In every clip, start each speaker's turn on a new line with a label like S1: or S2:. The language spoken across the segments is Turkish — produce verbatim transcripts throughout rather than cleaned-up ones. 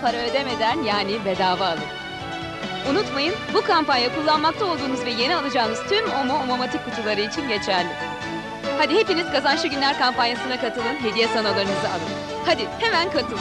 S1: para ödemeden, yani bedava alın. Unutmayın, bu kampanya kullanmakta olduğunuz ve yeni alacağınız tüm Omo Omomatik kutuları için geçerli. Hadi hepiniz Kazançlı Günler kampanyasına katılın, hediye sanolarınızı alın. Hadi hemen katılın.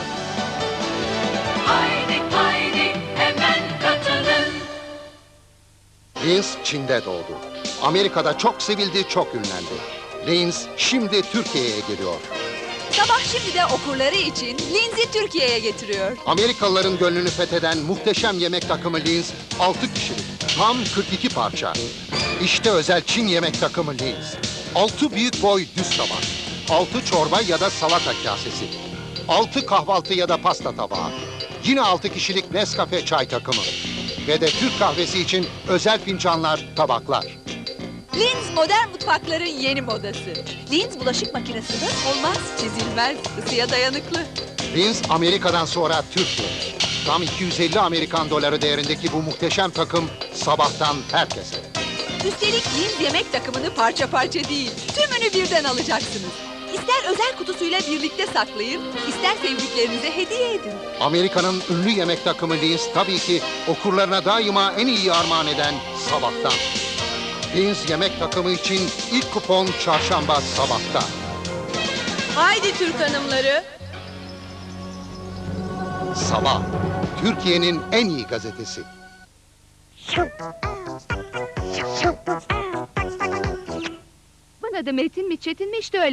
S2: Haydi haydi hemen katılın.
S3: Linz Çin'de doğdu. Amerika'da çok sevildi, çok ünlendi. Linz şimdi Türkiye'ye geliyor.
S1: Sabah şimdi de okurları için Linz'i Türkiye'ye getiriyor.
S3: Amerikalıların gönlünü fetheden muhteşem yemek takımı Linz, altı kişilik, tam kırk iki parça. İşte özel Çin yemek takımı Linz. altı büyük boy düz tabak, altı çorba ya da salata kasesi, altı kahvaltı ya da pasta tabağı, yine altı kişilik Nescafe çay takımı ve de Türk kahvesi için özel fincanlar, tabaklar.
S1: Linz modern mutfakların yeni modası. Linz bulaşık makinesinde olmaz, çizilmez, ısıya dayanıklı.
S3: Linz Amerika'dan sonra Türkiye. Tam iki yüz elli Amerikan doları değerindeki bu muhteşem takım sabahtan herkese.
S1: Üstelik Linz yemek takımını parça parça değil, tümünü birden alacaksınız. İster özel kutusuyla birlikte saklayın, ister sevdiklerinize hediye edin.
S3: Amerika'nın ünlü yemek takımı Linz tabii ki okurlarına daima en iyi armağan eden sabahtan. Linz yemek takımı için ilk kupon çarşamba sabahta.
S1: Haydi Türk hanımları.
S3: Sabah, Türkiye'nin en iyi gazetesi.
S1: Bana da Metin mi Çetin mi işte öyle.